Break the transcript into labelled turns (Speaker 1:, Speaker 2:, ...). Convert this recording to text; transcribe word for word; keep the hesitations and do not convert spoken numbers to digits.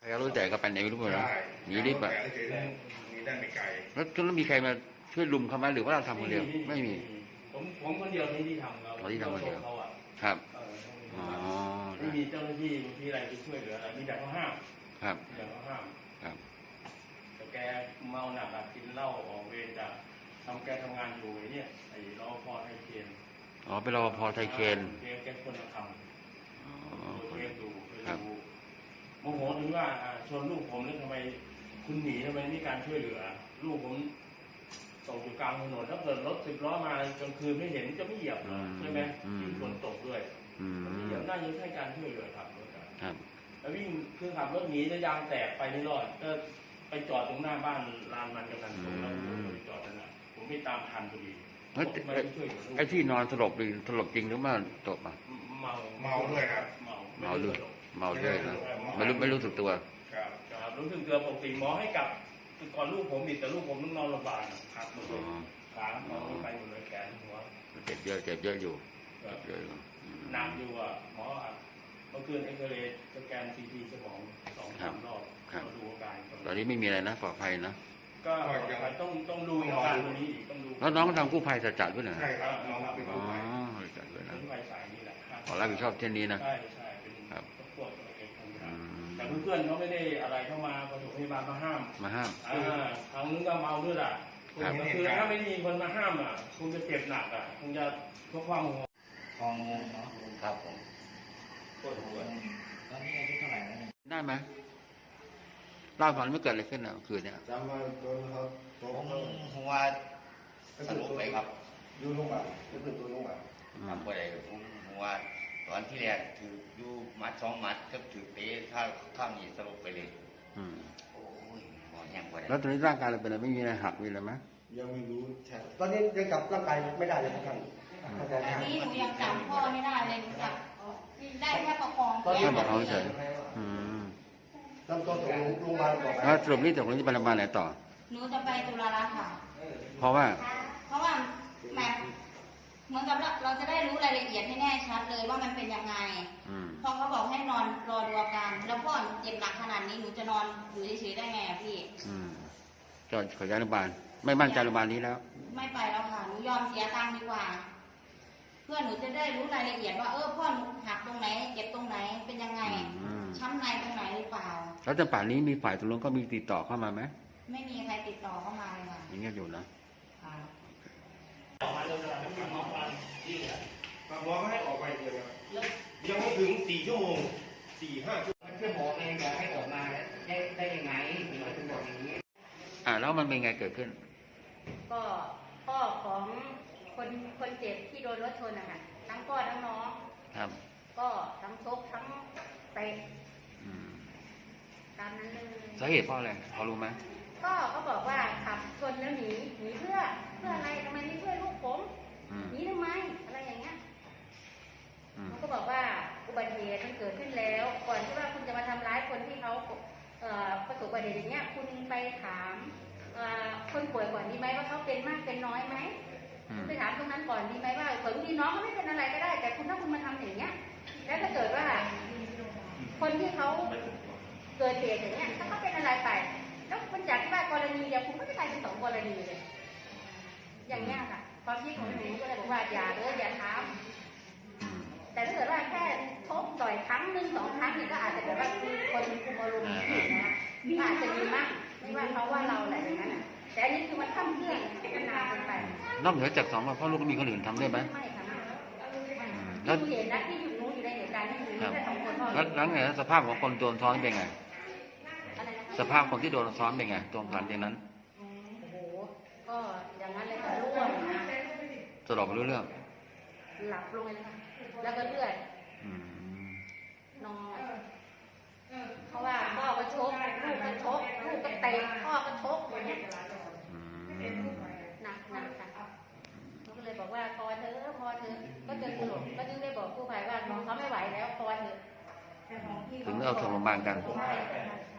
Speaker 1: ใครก็รู้แต่ก็ไปไหนไม่รู้เลยหนีรีบอ่ะ
Speaker 2: มีได้ไม่ไกล
Speaker 1: แล้วแล้วมีใครมาช่วยลุมเขาไหมหรือว่าเราทำคนเดียวไม่มี
Speaker 3: ผมผมคนเดียวที่ที่ทำเรา
Speaker 1: ที่ทำคนเดียว
Speaker 3: เขาอ่ะ
Speaker 1: ครับ
Speaker 3: อ๋อไม่มีเจ้าหน้าที่ที่อะไรที่ช่วยเหลืออะไรมีแต่เขาห้าม
Speaker 1: ครับ
Speaker 3: แต่เขาห้าม
Speaker 1: ครับ
Speaker 3: แต่แกเมาหนักกินเหล้าออกเวรจากทำแกทำงานอยู่ไอ้เนี่ยไอ้รอพอไทยเคน
Speaker 1: อ๋อเป็นรปภไทยเคน
Speaker 3: แกแกคนละทำ
Speaker 1: อ๋อ
Speaker 3: เคนดูดูโมโหถึงว่าชวนลูกผมแล้วทำไมคุณหนีทำไมนี่การช่วยเหลือลูกผมตกอยู่กลางถนนถ้าเกิดรถสิบล้อมากลางคืนไม่เห็นจะไม่เหยียบใช่ไหมยิ่งฝนตกด้วยไม่เหยียบน่าจะใช้การช่วยเหลือขับรถครับแล้ววิ่งคือขับรถหนีจะยางแตกไปไม่รอดก็ไปจอดตรงหน้าบ้านลานมันกำลังตรงนั้นไปจอดนั่นแหละผมไม่ตามทันพอดี
Speaker 1: ไอ้ที่นอนสลบหรือสลบจริงหรือว่าตกอ่ะ
Speaker 3: เมา
Speaker 2: เมาด้วยครับ
Speaker 3: เมา
Speaker 1: เมาด้วยเมาด้วยนะไม่รู้ไม่รู้สึกตัว
Speaker 3: ครับครับรู้สึกตัวปกติหมอให้กลับก่อนลูกผมอีกแต่ลูกผมต้องนอนโรงพยาบาลครับหมดเลยขาหมอไปหมดเลยแขนหัว
Speaker 1: เจ็บเยอะเจ็บเยอะอยู่เยอะอยู่
Speaker 3: หนักอยู่อ่ะหมอเมื่อคืนเอ็กซเรย์สแกนซีทีสมองสองสามรอบมาดูอาการ
Speaker 1: ตอนนี้ไม่มีอะไรนะปลอดภัยนะ
Speaker 3: ก็ต้องต้องดูอาการตัวนี้อีกต้องดู
Speaker 1: แล้วน้องทำกู้ภัยจะจัดด้วยนะ
Speaker 2: ใช่ครับน้องเป็นกู้ภัย
Speaker 1: จัดด้วยนะ
Speaker 3: กู้ภัยสายนี้แหละ
Speaker 1: ขอรับผิดชอบเช่นนี้นะ
Speaker 3: ใช่ใช่เป็นพวกเอกชนแต่เพื่อนๆเขาไม่ได้อะไรเข้ามาปฐมพยาบาลมาห้าม
Speaker 1: มาห้าม
Speaker 3: อ่าทางนู้นก็เมาด้วยอ่ะคือถ้าไม่มีคนมาห้ามอ่ะคงจะเจ็บหนักอ่ะคงจะทุกข์ความหัว
Speaker 4: ทองงเนาะ
Speaker 3: ครับผมปวดหัว
Speaker 4: ตอนนี้อายุเท่าไหร่แล้ว
Speaker 1: ได้ไหมเล่าฝันไม่เกิดอะไรขึ้นอ่ะคืนเนี้ย
Speaker 2: จำมาโดนเขา
Speaker 4: ผมหัวสรุปไปครับ
Speaker 2: ยูลงมาก็คือตัวลงมา
Speaker 4: ทำอะไรผมหัวตอนที่แรกถือยูมัดสองมัดก็ถือเตะข้าวข้าวหนีสรุปไปเลยโอ้ยหัวแห้งไป
Speaker 1: แล้วตอนนี้ร่างกายเราเป็นอะไรไม่มีอะไรหักมีอะไรไหม
Speaker 2: ยังไม่รู้ใช่
Speaker 5: ตอนนี้ยังจับร่างกายไม่ได้เลยครับ
Speaker 6: ตอนนี้หนูยังจับพ่อไม่ได้เลยหนูจับได้แค่ประคอง
Speaker 1: แค่ประคองเฉย
Speaker 5: ลำตัวตกลงมาต่อไป
Speaker 1: แล้วสรุปนี่ตกลงจะไปโรงพยาบาลไหนต่อ
Speaker 6: หนูจะไปตุลาลักษณ์ค่ะ
Speaker 1: เพราะว่า
Speaker 6: เพราะว่าแม่เหมือนกับเราจะได้รู้รายละเอียดให้แน่ชัดเลยว่ามันเป็นยังไงพอเขาบอกให้นอนรอดูอาการแล้วพ่อเจ็บหนักขนาดนี้หนูจะนอนอยู่เฉยๆได้ไงพี่
Speaker 1: จอดขอย้ายโรงพยาบาลไม่มั่นใจโรงพยาบาลนี้แล้ว
Speaker 6: ไม่ไปแล้วค่ะหนูยอมเสียตังค์ดีกว่าเพื่อหนูจะได้รู้รายละเอียดว่าเออพ่อหนูหักตรงไหนเจ็บตรงไหนเป็นยังไงช้ำในตรงไหนหรือเปล่า
Speaker 1: แล้วจนป่านนี้มีฝ่ายตกลงก็มีติดต่อเข้ามาไหม
Speaker 6: ไม่มีใครติดต่อเข้ามาเลยค่ะ
Speaker 1: อย่างเงี้ยอยู่นะ
Speaker 3: ออกมาเลยนะไม่มองฟันที่เหลือ
Speaker 2: หมอให้ออกไปเลยครับยังไม่ถึงสี่ชั่วโมงสี่ห้าชั่วโมง
Speaker 4: เพื่อนหมอเองบอกให้ออกมาได้ได้ยังไงถึงถึงบอกอย่างนี้
Speaker 1: อ่าแล้วมันเป็นไงเกิดขึ้น
Speaker 6: ก็พ่อของคนคนเจ็บที่โดนรถชนนะคะทั้งพ่อทั้งน้อง
Speaker 1: ครับ
Speaker 6: ก็ทั้งชกทั้งเตะตามนั้นเลย
Speaker 1: สาเหตุเพราะอะไรพอรู้ไหม
Speaker 6: ก็เขาบอกว่าขับชนแล้วหนีหนีเพื่อเพื่ออะไรทำไมไม่ช่วยลูกผมหนีทำไมอะไรอย่างเงี้ยเขาก็บอกว่าอุบัติเหตุมันเกิดขึ้นแล้วก่อนที่ว่าคุณจะมาทำร้ายคนที่เขาประสบอุบัติเหตุอย่างเงี้ยคุณไปถามคนป่วยก่อนดีไหมว่าเขาเป็นมากเป็นน้อยไหมไปถามตรงนั้นก่อนดีไหมว่าเผื่อพี่น้องเขาไม่เป็นอะไรก็ได้แต่คุณถ้าคุณมาทำอย่างเงี้ยแล้วถ้าเกิดว่าคนที่เขาเกิดเหตุอย่างเงี้ยถ้าเขาเป็นอะไรไปแล้วมันจากที่ว่ากรณีเดียวคุณก็จะกลายเป็นสองกรณีเลยอย่างเงี้ยค่ะความคิดของหนูก็เลยบอกว่าอย่าเลยอย่าทำแต่ถ้าเกิดว่าแค่ทบต่อยครั้งหนึ่งสองครั้งนี่ก็อาจจะแบบว่าคนคุมอารมณ์ผิดนะอาจจะมีมากไม่ว่าเขาว่าเราอะไรอย่างนั้นอ่ะแต่อันนี้คือมันทำเพื่อนมันนานเกินไป
Speaker 1: นอกเหนือจากสองพ่อลูกก็มีคนอื่นทำได้ไหม
Speaker 6: ไม่ค่ะแล้วเห็นนะที่อยู่นู้นอยู่ในเหตุการณ์ที่อยู่นี่แค่สองคนพ่อ
Speaker 1: แล้วไงสภาพของคนโดนซ้อนเป็นไงสภาพคนที่โดนซ้อนเป็นไงตรงหลังจากนั้น
Speaker 6: โอ้โหก็อย่างนั้นเลยค่ะร่วงนะ
Speaker 1: สลบไม่รู้เรื่อง
Speaker 6: หลับลงเลยค่ะแล้วก็เลือดนอนเพราะว่าพ่อก็ชกลูกก็ชกลูกก็เตะพ่อก็ชกอย่างเงี้ยหนักหนักค่ะเขาก็เลยบอกว่าพอเธอพอเธอก็จนสลบก็จึงได้บอกกู้ภัยว่าน้องเขาไม่ไหวแล้วพอเธอ
Speaker 1: ถึงเอาส่งโรงพยาบาลกัน